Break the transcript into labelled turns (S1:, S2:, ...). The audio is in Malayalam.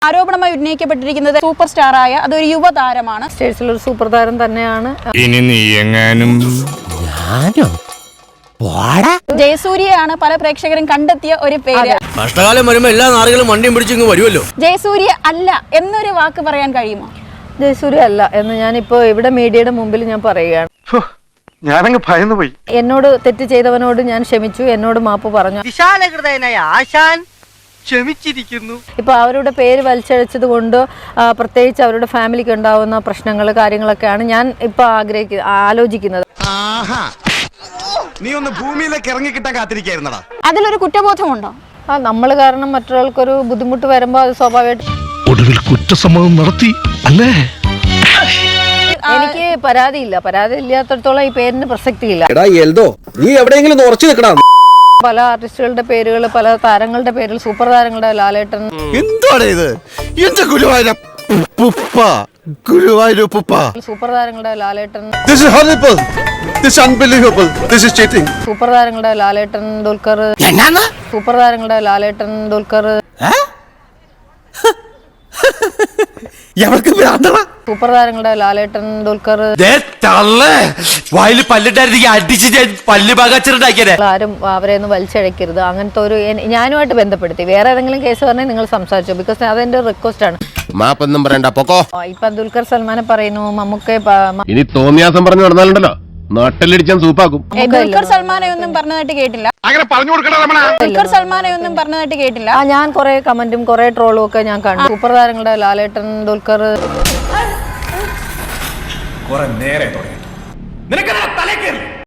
S1: ആരോപണമായി ഉന്നയിക്കപ്പെട്ടിരിക്കുന്നത് സൂപ്പർ സ്റ്റാറായ അതൊരു യുവതാരമാണ്.
S2: സ്റ്റേറ്റ്സിലൊരു സൂപ്പർ താരം തന്നെയാണ്.
S3: ഇനി നീ എങ്ങാനും
S1: ജയസൂര്യയാണ് പല പ്രേക്ഷകരും കണ്ടെത്തിയ ഒരു പേര്.
S4: കഷ്ടകാലം വരുമ്പോ എല്ലാ നാറുകളും വണ്ടിയും പിടിച്ചിങ്ങ് വരുമല്ലോ.
S1: ജയസൂര്യ അല്ല എന്നൊരു വാക്ക് പറയാൻ കഴിയുമോ?
S2: ജയസൂര്യ അല്ല എന്ന് ഞാനിപ്പോ ഇവിടെ മീഡിയയുടെ മുമ്പിൽ ഞാൻ പറയുകയാണ്.
S5: ഞാനങ്ങ് ഭയന്നു പോയി.
S2: എന്നോട് തെറ്റ് ചെയ്തവനോട് ഞാൻ ക്ഷമിച്ചു, എന്നോട് മാപ്പ് പറഞ്ഞു.
S6: വിശാലഹൃദയനായ ആശാൻ ക്ഷമിച്ചിരിക്കുന്നു.
S2: ഇപ്പൊ അവരുടെ പേര് വലിച്ചഴച്ചത് കൊണ്ട് പ്രത്യേകിച്ച് അവരുടെ ഫാമിലിക്ക് ഉണ്ടാവുന്ന പ്രശ്നങ്ങൾ കാര്യങ്ങളൊക്കെയാണ് ഞാൻ ഇപ്പൊ ആലോചിക്കുന്നത്.
S5: നീ ഒന്ന് ഭൂമിയിലേക്ക് ഇറങ്ങി കിട്ടാൻ കാത്തിരിക്കായിരുന്നടാ.
S1: അതിലൊരു കുറ്റബോധമുണ്ടോ?
S2: നമ്മൾ കാരണം മറ്റൊരാൾക്കൊരു ബുദ്ധിമുട്ട് വരുമ്പോൾ അത് സ്വാഭാവികമായിട്ട്
S7: ഒടുവിൽ കുറ്റസമ്മതം നടത്തി അല്ലേ?
S2: എനിക്ക് പരാതി ഇല്ലാത്തടത്തോളം ഈ പേരിന് പ്രസക്തിയില്ല.
S4: നീ എവിടെയെങ്കിലും ഉറച്ചു നിൽക്കണം.
S2: പല ആർട്ടിസ്റ്റുകളുടെ പേരുകൾ, പല താരങ്ങളുടെ പേരിൽ, സൂപ്പർ താരങ്ങളുടെ ലാലേട്ടൻ.
S4: എന്താണ് ഇത്? എന്റെ
S2: സൂപ്പർ താരങ്ങളുടെ ലാലേട്ടൻ, സൂപ്പർ താരങ്ങളുടെ ലാലേട്ടൻ ദുൽഖർ, സൂപ്പർ താരങ്ങളുടെ ലാലേട്ടൻ ദുൽഖർ, സൂപ്പർ താരങ്ങളുടെ ലാലേട്ടൻ ദുൽഖർ. ആരും അവരെ ഒന്നും വലിച്ചഴക്കരുത്. അങ്ങനത്തെ ഒരു ഞാനുമായിട്ട് ബന്ധപ്പെടുത്തി വേറെ ഏതെങ്കിലും കേസ് പറഞ്ഞാൽ നിങ്ങൾ സംസാരിച്ചു. ബിക്കോസ് അതെന്റെ റിക്വസ്റ്റ് ആണ്. ഇപ്പൊ ദുൽഖർ സൽമാനെ പറയുന്നു, മമ്മൂക്കെ
S7: ഇനി തോന്നിയാസം പറഞ്ഞു നടന്നാലുണ്ടല്ലോ നാട്ടിലടിച്ചാൻ സൂപ്പാക്കും.
S1: ദുൽഖർ സൽമാനെ ഒന്നും പറഞ്ഞതായിട്ട് കേട്ടില്ല. ദുൽഖർ സൽമാനെ ഒന്നും പറഞ്ഞതായിട്ട് കേട്ടില്ല.
S2: ഞാൻ കുറെ കമന്റും കുറെ ട്രോളും ഒക്കെ ഞാൻ കണ്ടു. സൂപ്പർ താരങ്ങളുടെ ലാലേട്ടൻ ദുൽഖർ.
S5: നേരെ